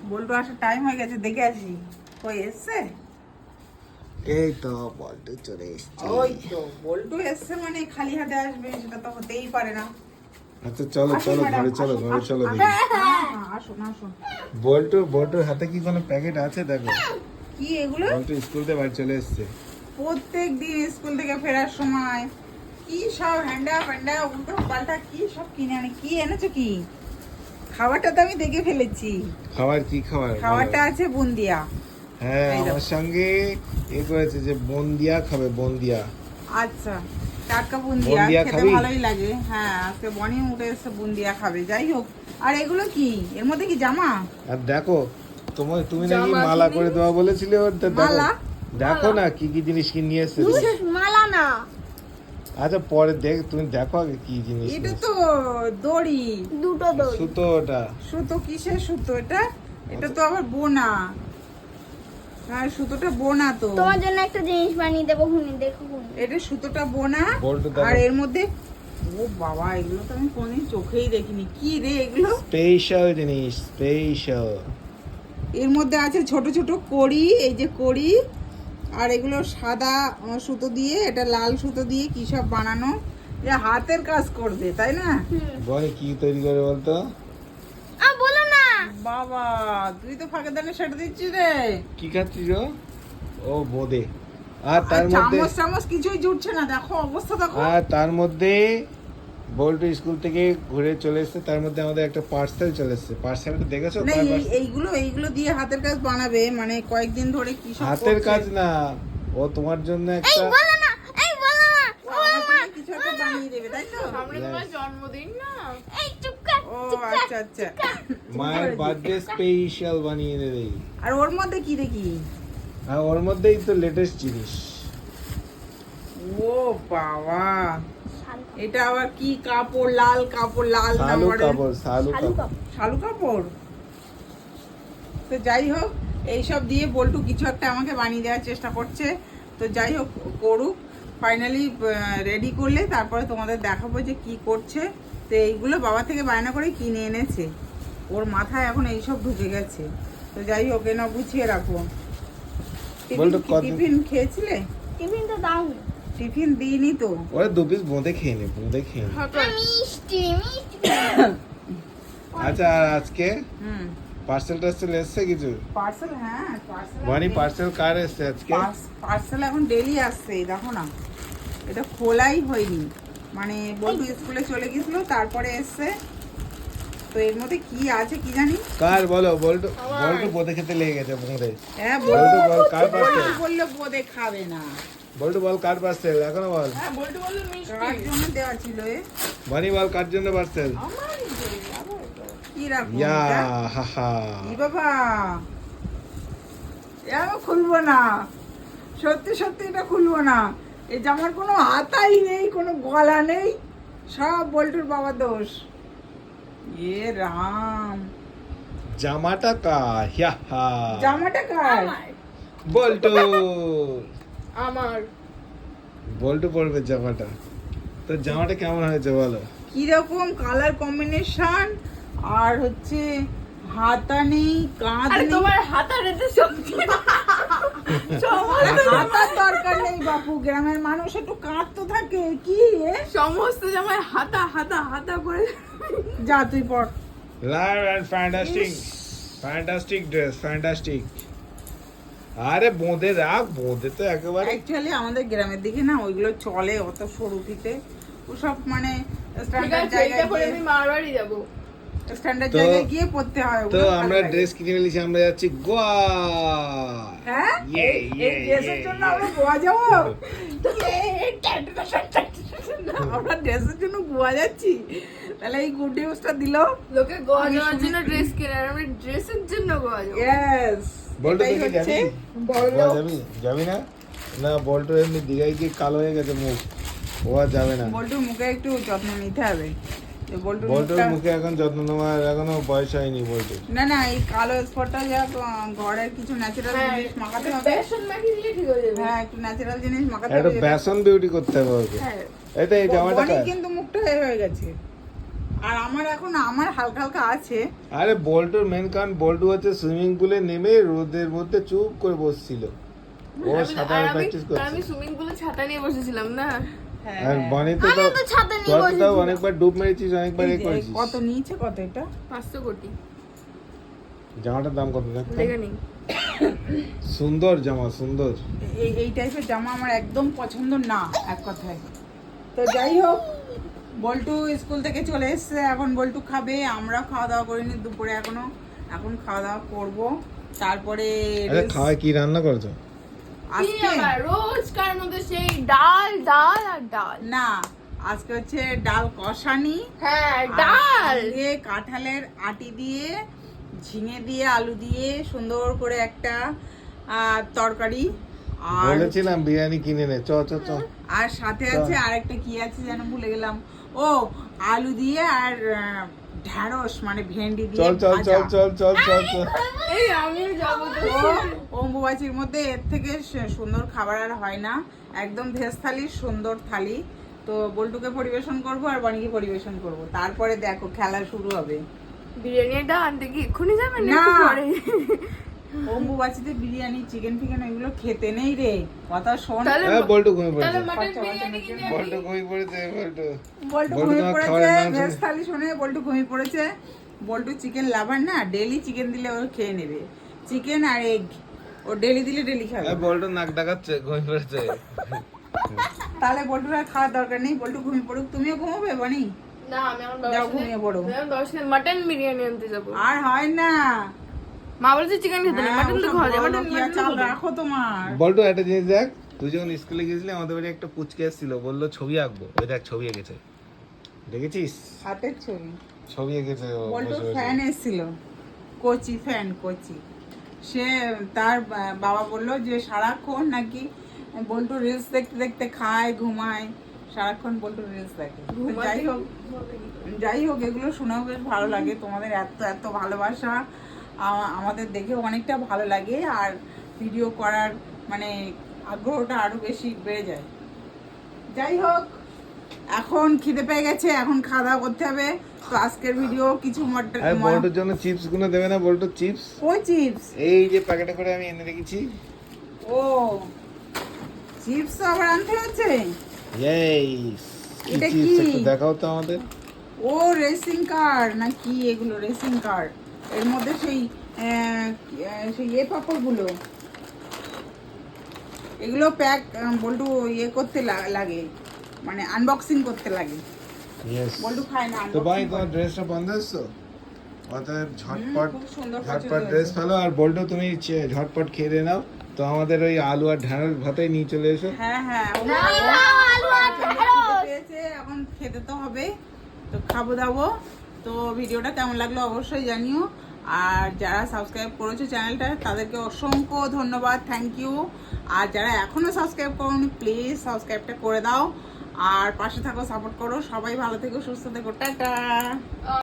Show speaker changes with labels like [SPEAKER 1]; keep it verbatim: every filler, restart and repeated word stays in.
[SPEAKER 1] বল্টু আসার টাইম হয়ে গেছে, দেখে আসি কই এসছে।
[SPEAKER 2] এই তো বল্টু চলে এসছে।
[SPEAKER 1] ওই তো বল্টু এসছে মানে খালি হাতে আসবে সেটা তো হতেই পারে না।
[SPEAKER 2] আচ্ছা চলো
[SPEAKER 1] আসুন
[SPEAKER 2] চলো
[SPEAKER 1] ম্যাডাম,
[SPEAKER 2] ঘরে চলো
[SPEAKER 1] আসুন,
[SPEAKER 2] ঘরে
[SPEAKER 1] আসুন,
[SPEAKER 2] চলো
[SPEAKER 1] আসুন।
[SPEAKER 2] দেখি।
[SPEAKER 1] হ্যাঁ, হ্যাঁ, আসুন আসুন।
[SPEAKER 2] বল্টু বল্টুর হাতে কি কোনো প্যাকেট আছে দেখো।
[SPEAKER 1] কি এগুলো?
[SPEAKER 2] বল্টু স্কুল থেকে বাড়ি চলে এসছে।
[SPEAKER 1] প্রত্যেক দিন স্কুল থেকে ফেরার সময় কি সব হ্যান্ডা ফ্যান্ডা উল্টো পাল্টা কি সব কিনে আনে। কি এনেছো কি? খাবারটা তো আমি দেখে ফেলেছি।
[SPEAKER 2] খাবার কি খাবার?
[SPEAKER 1] খাবারটা আছে বুন্দিয়া।
[SPEAKER 2] হ্যাঁ
[SPEAKER 1] এই দেখো।
[SPEAKER 2] আমার সঙ্গে এ করেছে যে বন্দিয়া খাবে বন্দিয়া।
[SPEAKER 1] আচ্ছা, টাটকা বুন্দিয়া
[SPEAKER 2] বুন্দিয়া
[SPEAKER 1] খেতে
[SPEAKER 2] খাবি?
[SPEAKER 1] ভালোই লাগে। হ্যাঁ, আজকে বনি উঠে এসে বুন্দিয়া খাবে। যাই হোক, আর এগুলো কি? এর মধ্যে কি জামা?
[SPEAKER 2] আর দেখো তোমার তুমি নাকি
[SPEAKER 3] জামা
[SPEAKER 2] মালা
[SPEAKER 3] কিনে-
[SPEAKER 2] করে দেওয়া বলেছিলে ওর, তা দেখো
[SPEAKER 1] মালা?
[SPEAKER 2] দেখো না কি কি জিনিস কি নিয়ে এসেছে।
[SPEAKER 3] মালা না,
[SPEAKER 2] আচ্ছা পরে দেখ, তুমি দেখো আগে কি জিনিস
[SPEAKER 1] এটা
[SPEAKER 2] নিয়ে
[SPEAKER 1] তো দড়ি।
[SPEAKER 3] দুটো
[SPEAKER 2] এসেছে।
[SPEAKER 3] দই।
[SPEAKER 2] সুতো ওটা।
[SPEAKER 1] সুতো কিসের সুতো এটা? এটা তো আবার বোনা। হ্যাঁ, সুতোটা বোনা তো।
[SPEAKER 3] তোমার জন্য একটা জিনিস বানিয়ে দেবো, হুনি দেখো হুনি।
[SPEAKER 1] এটা সুতোটা বোনা।
[SPEAKER 2] বল্টু দেখো।
[SPEAKER 1] আর এর মধ্যে ও বাবা, এগুলো তো আমি কোনদিন চোখেই দেখিনি। কি রে এগুলো?
[SPEAKER 2] স্পেশাল জিনিস স্পেশাল।
[SPEAKER 1] এর মধ্যে আছে ছোট ছোট কড়ি, এই যে কড়ি। আর এগুলো সাদা আহ, সুতো দিয়ে, এটা লাল সুতো দিয়ে কি সব বানানো। এ হাতের কাজ করবে, তাই না?
[SPEAKER 2] বলে কি তৈরি করে বলতো?
[SPEAKER 3] আ বলো না।
[SPEAKER 1] বাবা, তুই তো ফাঁকে দানে সেটা দিচ্ছিস রে।
[SPEAKER 2] কি খাচ্ছিস ও? ও বোদে। আর
[SPEAKER 1] আর
[SPEAKER 2] তার মধ্যে
[SPEAKER 1] চামচ চামচ কিছুই জুটছে না, দেখো অবস্থা দেখো।
[SPEAKER 2] আর তার মধ্যে বল্টু স্কুল থেকে ঘুরে চলে এসেছে, তার মধ্যে আমাদের একটা পার্সেল চলে এসেছে। পার্সেলটা দেখেছো?
[SPEAKER 1] না,
[SPEAKER 2] কার
[SPEAKER 1] এই-
[SPEAKER 2] parcel?
[SPEAKER 1] এইগুলো এইগুলো দিয়ে হাতের কাজ বানাবে, মানে কয়েকদিন ধরে কি সব
[SPEAKER 2] হাতের
[SPEAKER 1] করছে।
[SPEAKER 2] কাজ না, ও তোমার জন্য
[SPEAKER 3] এই
[SPEAKER 2] একটা
[SPEAKER 3] বলো না, এই বলো না।
[SPEAKER 1] ও আমার জন্য কিছু একটা বানিয়ে দেবে, তাই তো?
[SPEAKER 3] সামনে তোমার
[SPEAKER 2] Yes.
[SPEAKER 3] জন্মদিন না। এই চুপ কর।
[SPEAKER 1] ও আচ্ছা আচ্ছা।
[SPEAKER 2] মায়ের বার্থডে স্পেশাল বানিয়ে দেবে।
[SPEAKER 1] আর ওর মধ্যে কি দেখি?
[SPEAKER 2] আর ওর মধ্যেই তো লেটেস্ট জিনিস।
[SPEAKER 1] ও বাবা, এটা আবার কি কাপড়? লাল কাপড়, লাল
[SPEAKER 2] শালু
[SPEAKER 1] নাম্বারের
[SPEAKER 2] কাপড় শালু
[SPEAKER 3] শালু
[SPEAKER 2] কাপড়।
[SPEAKER 3] কাপড়।
[SPEAKER 1] শালু কাপড়। তো যাই হোক, এইসব দিয়ে বল্টু কিছু একটা আমাকে বানিয়ে দেওয়ার চেষ্টা করছে। তো যাই হোক, করুক। ফাইনালি রেডি করলে তারপরে তোমাদের দেখাবো যে কি করছে। তো এইগুলো বাবা থেকে বায়না করে কিনে এনেছে। ওর মাথায় এখন এইসব ঢুকে গেছে। তো যাই হোক, এনে গুছিয়ে রাখো। টিফিন
[SPEAKER 2] বল্টু
[SPEAKER 1] কি-
[SPEAKER 2] কত-
[SPEAKER 1] টিফিন খেয়েছিলে?
[SPEAKER 3] টিফিন তো দাওনি।
[SPEAKER 1] টিফিন দিইনি তো।
[SPEAKER 2] ওরা দু পিস বোঁদে খেয়ে নে বোঁদে খেয়ে নে।
[SPEAKER 3] মিষ্টি মিষ্টি।
[SPEAKER 2] আচ্ছা আর আজকে
[SPEAKER 1] হুম,
[SPEAKER 2] পার্সেল টার্সেল এসছে কিছু?
[SPEAKER 1] পার্সেল। হ্যাঁ, পার্সেল।
[SPEAKER 2] মানে পার্সেল কার এসছে আজকে?
[SPEAKER 1] পার্সেল এখন ডেলি আসছে, এই দেখো না। এটা খোলাই হয়নি, মানে বল্টু স্কুলে চলে গেছিল, তারপরে এসছে। তো এর মধ্যে কি আছে কি জানি।
[SPEAKER 2] কার বলো? বল্টু বল্টু বোঁদে খেতে লেগে গেছে বোঁদে।
[SPEAKER 1] হ্যাঁ,
[SPEAKER 2] বল্টু
[SPEAKER 1] বল্টু
[SPEAKER 2] বল কার পার্সেল?
[SPEAKER 1] বল্টু বললো বোধে খাবে না।
[SPEAKER 2] বল্টু বল কার পার্সেল এখনো বল।
[SPEAKER 3] হ্যাঁ বলতে বললো
[SPEAKER 1] কার
[SPEAKER 3] মিষ্টি।
[SPEAKER 1] জন্য দেওয়া ছিল এ?
[SPEAKER 2] বানি বল কার জন্য পার্সেল?
[SPEAKER 1] কি রাখবো
[SPEAKER 2] ইয়া
[SPEAKER 1] এটা?
[SPEAKER 2] হা হা।
[SPEAKER 1] ই বাবা, এ আমি খুলবো না। সত্যি সত্যি এটা খুলবো না। এই জামার কোনো হাতাই নেই, কোনো গলা নেই, সব বল্টুর বাবা দোষ। এ রাম,
[SPEAKER 2] জামাটা কার? ইয়া হা।
[SPEAKER 1] জামাটা কার?
[SPEAKER 3] আমার
[SPEAKER 2] বল্টু
[SPEAKER 3] আমার
[SPEAKER 2] বল্টু পরবে জামাটা। তো জামাটা কেমন হয়েছে বলো?
[SPEAKER 1] কিরকম কালার কম্বিনেশন, আর হচ্ছে হাতা নেই, কাঁধ
[SPEAKER 3] আরে
[SPEAKER 1] নেই।
[SPEAKER 3] তোমার হাতার এতে শক্তি না। সমস্ত
[SPEAKER 1] হাতার দরকার নেই বাপু, গ্রামের মানুষ একটু কাঁধ তো থাকে। কি এ?
[SPEAKER 3] সমস্ত জামায় হাতা হাতা হাতা করে।
[SPEAKER 1] যা তুই পর।
[SPEAKER 2] Live and fantastic fantastic dress fantastic. আরে বোঁদে রাখ, বোঁদে তো একেবারে
[SPEAKER 1] অ্যাকচুয়ালি আমাদের গ্রামের দিকে না ওইগুলো চলে, অত সরু ফিতে ওসব, মানে
[SPEAKER 3] ঠিক
[SPEAKER 1] স্ট্যান্ডার্ড
[SPEAKER 3] আছে,
[SPEAKER 1] জায়গায়
[SPEAKER 3] এটা করে
[SPEAKER 1] গিয়ে
[SPEAKER 3] আমি মারবাড়ি যাবো।
[SPEAKER 1] স্ট্যান্ডার্ড
[SPEAKER 2] তো-
[SPEAKER 1] জায়গায় গিয়ে পড়তে হয়।
[SPEAKER 2] তো
[SPEAKER 1] ওগুলো ভালো
[SPEAKER 2] আমরা
[SPEAKER 1] লাগে।
[SPEAKER 2] ড্রেস কিনে নিয়েছি, আমরা যাচ্ছি গোয়া।
[SPEAKER 1] হ্যাঁ,
[SPEAKER 2] ইয়ে,
[SPEAKER 1] এই-
[SPEAKER 2] ইয়ে,
[SPEAKER 1] এই ড্রেসের
[SPEAKER 2] ইয়ে,
[SPEAKER 1] জন্য
[SPEAKER 2] ইয়ে।
[SPEAKER 1] আমরা গোয়া যাবো। আমরা ড্রেসের জন্য গোয়া যাচ্ছি, তাহলে এই গুড নিউজটা দিল।
[SPEAKER 3] লোকে গোয়া
[SPEAKER 1] আমি
[SPEAKER 3] যাওয়ার
[SPEAKER 1] শুনে-
[SPEAKER 3] জন্য ড্রেস কেনে, আর আমি ড্রেসের জন্য গোয়া যাবো।
[SPEAKER 1] ইয়েস,
[SPEAKER 2] বল্টু
[SPEAKER 1] এটাই
[SPEAKER 2] দেখি
[SPEAKER 1] হচ্ছে
[SPEAKER 2] যাবি?
[SPEAKER 1] বড়
[SPEAKER 2] গোয়া
[SPEAKER 1] লোক।
[SPEAKER 2] যাবি? যাবি না? না বল্টু এমনি দীঘায় গিয়ে কালো হয়ে গেছে মুখ, ও আর যাবে না।
[SPEAKER 1] বল্টুর মুখে একটু যত্ন নিতে হবে। যে বল্টুর
[SPEAKER 2] বল্টুর
[SPEAKER 1] মুখটা-
[SPEAKER 2] মুখে এখন যত্ন নেওয়ার এখনো বয়স হয়নি বল্টু।
[SPEAKER 1] না না, এই কালো স্পটটা যা ঘরের কিছু ন্যাচারাল
[SPEAKER 3] হ্যাঁ,
[SPEAKER 1] জিনিস মাখাতে হবে।
[SPEAKER 3] বেসন মাখিয়ে দিলে ঠিক হয়ে যাবে।
[SPEAKER 1] হ্যাঁ, একটু ন্যাচারাল জিনিস মাখাতে
[SPEAKER 2] একটা
[SPEAKER 1] হবে।
[SPEAKER 2] বেসন বিউটি করতে হবে ওকে।
[SPEAKER 3] হ্যাঁ।
[SPEAKER 2] এই তো এই জামাটা
[SPEAKER 1] বনির
[SPEAKER 2] কার?
[SPEAKER 1] কিন্তু মুখটা এ হয়ে গেছে। আর আমার এখন আমার হালকা হালকা আছে।
[SPEAKER 2] আরে বল্টুর মেন কারণ বল্টু হচ্ছে সুইমিং পুলে নেমে রোদের মধ্যে চুপ করে বসছিল, ও
[SPEAKER 3] আমি-
[SPEAKER 2] সাঁতার
[SPEAKER 3] আর আমি-
[SPEAKER 2] প্র্যাকটিস
[SPEAKER 3] আর আমি
[SPEAKER 2] করছে।
[SPEAKER 3] সুইমিং পুলে ছাতা নিয়ে বসেছিলাম না।
[SPEAKER 1] হ্যাঁ,
[SPEAKER 2] আর বনি তো
[SPEAKER 3] আমি তো ছাতা নিয়ে
[SPEAKER 2] তোর তো
[SPEAKER 3] বসেছিলাম।
[SPEAKER 2] অনেকবার ডুব মেরেছিস, অনেকবার
[SPEAKER 1] এই
[SPEAKER 2] এ
[SPEAKER 1] যে,
[SPEAKER 2] করেছিস।
[SPEAKER 1] কত নিয়েছে কত এটা?
[SPEAKER 3] পাঁচশো কোটি
[SPEAKER 2] জামাটার দাম কত দেখতো?
[SPEAKER 3] লেগে নেই।
[SPEAKER 2] সুন্দর জামা, সুন্দর।
[SPEAKER 1] এই এই টাইপের জামা আমার একদম পছন্দ না, এক কথায়। তো যাই হোক, বল্টু স্কুল থেকে চলে এসছে, এখন বল্টু খাবে, আমরা খাওয়া দাওয়া করিনি দুপুরে এখনো, এখন খাওয়া দাওয়া করবো। তারপরে
[SPEAKER 2] আরে
[SPEAKER 1] রেস-
[SPEAKER 2] খাওয়ায় কি রান্না করছো?
[SPEAKER 3] কি
[SPEAKER 1] আজকে
[SPEAKER 3] আবার রোজকার মধ্যে সেই ডাল ডাল আর ডাল।
[SPEAKER 1] না, আজকে হচ্ছে ডাল কষানি,
[SPEAKER 3] হ্যাঁ
[SPEAKER 1] আর
[SPEAKER 3] ডাল।
[SPEAKER 1] দিয়ে কাঁঠালের আটি দিয়ে ঝিঙে দিয়ে আলু দিয়ে সুন্দর করে একটা আহ, তরকারি, আর
[SPEAKER 2] বলেছিলাম বিরিয়ানি কিনে নে, চ চ চ।
[SPEAKER 1] আর সাথে আছে আরেকটা কি আছে যেন ভুলে গেলাম, ও আলু দিয়ে আর আহ, ঢ্যাঁড়স মানে ভেন্ডি দিয়ে
[SPEAKER 2] চল চল
[SPEAKER 1] ভাজা।
[SPEAKER 2] চল চল চল চল চল।
[SPEAKER 3] এই আমিও যাবো তো।
[SPEAKER 1] তো অম্বুবাচীর মধ্যে এর থেকে সে- সুন্দর খাবার আর হয় না, একদম ভেজ থালি, সুন্দর থালি। তো বল্টুকে পরিবেশন করব আর বানিকে পরিবেশন করব, তারপরে দেখো খেলা শুরু হবে।
[SPEAKER 3] বিরিয়ানিটা আনতে কি এক্ষুনি যাবেন
[SPEAKER 1] না।
[SPEAKER 3] একটু পরে?
[SPEAKER 1] অম্বুবাচীতে বিরিয়ানি চিকেন ফিকেন এগুলো খেতে নেই রে, কথা শোন।
[SPEAKER 3] তাহলে
[SPEAKER 2] হ্যাঁ বল্টু ঘুমিয়ে
[SPEAKER 3] তাহলে
[SPEAKER 2] পড়েছে,
[SPEAKER 3] মাটন
[SPEAKER 1] বাচ্চা
[SPEAKER 3] বিরিয়ানি
[SPEAKER 1] বাচ্চা
[SPEAKER 3] কিনে
[SPEAKER 2] বল্টু
[SPEAKER 3] আনি।
[SPEAKER 2] ঘুমিয়ে পড়েছে, বল্টু।
[SPEAKER 1] বল্টু
[SPEAKER 2] বল্টু
[SPEAKER 1] ঘুমিয়ে
[SPEAKER 2] তোমার
[SPEAKER 1] পড়েছে,
[SPEAKER 2] খাবারের নাম
[SPEAKER 1] ভেজ
[SPEAKER 2] শুনে-
[SPEAKER 1] থালি শুনে বল্টু ঘুমিয়ে পড়েছে। বল্টু চিকেন লাভার না, ডেলি চিকেন দিলে ও খেয়ে নেবে, চিকেন আর এগ ও ডেলি দিলে ডেলি খাবে।
[SPEAKER 2] হ্যাঁ বল্টু নাক ডাকাচ্ছে, ঘুমিয়ে পড়েছে।
[SPEAKER 1] তাহলে বল্টুর আর খাওয়ার দরকার নেই, বল্টু ঘুমিয়ে পড়ুক, তুমিও ঘুমাবে বানি।
[SPEAKER 3] না আমি এখন
[SPEAKER 1] যাও ঘুমিয়ে পড়ো।
[SPEAKER 3] দশ মাটন বিরিয়ানি আনতে যাবো।
[SPEAKER 1] আর হয় না,
[SPEAKER 3] মা বলেছে চিকেন খেতে না,
[SPEAKER 1] হ্যাঁ,
[SPEAKER 3] মাটন তো
[SPEAKER 1] ওসব
[SPEAKER 3] খাওয়া যায়,
[SPEAKER 1] বড়
[SPEAKER 3] মাটন
[SPEAKER 1] লোকিয়া চাল রাখো তোমার।
[SPEAKER 2] বল্টু একটা জিনিস দেখ, তুই যখন স্কুলে গেছিলি আমাদের বাড়ি একটা পুচকে এসেছিল, বললো ছবি আঁকবো, ওই দেখ ছবি এঁকেছে, দেখেছিস?
[SPEAKER 1] হাতের ছবি।
[SPEAKER 2] ছবি এঁকেছে ও
[SPEAKER 1] বল্টু
[SPEAKER 2] বসে বসে।
[SPEAKER 1] ফ্যান এসেছিল, কোচি ফ্যান, কোচি। সে তার বা- বাবা বললো যে সারাক্ষণ নাকি বল্টু রিলস দেখতে দেখতে খায় ঘুমায়, সারাক্ষণ বল্টু রিলস দেখে। তো যাই হোক, যাই হোক এগুলো শুনেও বেশ ভালো লাগে, তোমাদের এত এত ভালোবাসা আ- আমাদের দেখে অনেকটা ভালো লাগে, আর ভিডিও করার মানে আগ্রহটা আরো বেশি বেড়ে যায়। যাই হোক, এখন খিদে পেয়ে গেছে, এখন খাওয়া দাওয়া করতে হবে। তো আজকের ভিডিও কিছু মট-
[SPEAKER 2] আরে
[SPEAKER 1] ম-
[SPEAKER 2] বল্টুর জন্য চিপস গুলো দেবে না? বল্টু চিপস
[SPEAKER 1] ওই চিপস,
[SPEAKER 2] এই যে প্যাকেটে করে আমি এনে রেখেছি।
[SPEAKER 1] ও চিপস তো আবার আনতে হচ্ছে।
[SPEAKER 2] ইয়েস, কি
[SPEAKER 1] এটা
[SPEAKER 2] চিপস
[SPEAKER 1] কি?
[SPEAKER 2] একটু দেখাও তো আমাদের।
[SPEAKER 1] ও রেসিং কার না কি এগুলো, রেসিং কার, এর মধ্যে সেই আহ, আহ, সেই ইয়ে পাপড়গুলো, এগুলো প্যাক বল্টু ইয়ে করতে লা- লাগে, মানে আনবক্সিং করতে লাগে।
[SPEAKER 2] ইয়েস।
[SPEAKER 1] বল্টু খায় না
[SPEAKER 2] তো ভাই
[SPEAKER 1] unboxing
[SPEAKER 2] তোমার
[SPEAKER 1] করে।
[SPEAKER 2] ড্রেসটা বন্ধ এসছো, অতএব ঝটপট
[SPEAKER 1] খুব সুন্দর
[SPEAKER 2] ঝটপট
[SPEAKER 1] পছন্দ
[SPEAKER 2] ড্রেস
[SPEAKER 1] হয়েছে।
[SPEAKER 2] ফেলো, আর বল্টু তুমি চে- ঝটপট খেয়ে দিয়ে নাও। তো আমাদের ওই আলু আর ঢ্যাঁড়স ভাতেই নিয়ে চলে এসো।
[SPEAKER 1] হ্যাঁ হ্যাঁ ও
[SPEAKER 3] না,
[SPEAKER 1] খাবো।
[SPEAKER 3] না, আলু আর
[SPEAKER 1] প্রচণ্ড
[SPEAKER 3] ঢেঁড়স।
[SPEAKER 1] খিদে পেয়েছে, এখন খেতে তো হবে, তো খাবো দাবো। তো ভিডিওটা কেমন লাগলো অবশ্যই জানিও, আর যারা সাবস্ক্রাইব করেছো চ্যানেলটা তাদেরকে অসংখ্য ধন্যবাদ, থ্যাংক ইউ। আর যারা এখনো সাবস্ক্রাইব করোনি প্লিজ সাবস্ক্রাইবটা করে দাও, আর পাশে থাকো, সাপোর্ট করো। সবাই ভালো থেকো, সুস্থ থেকো, টাটা।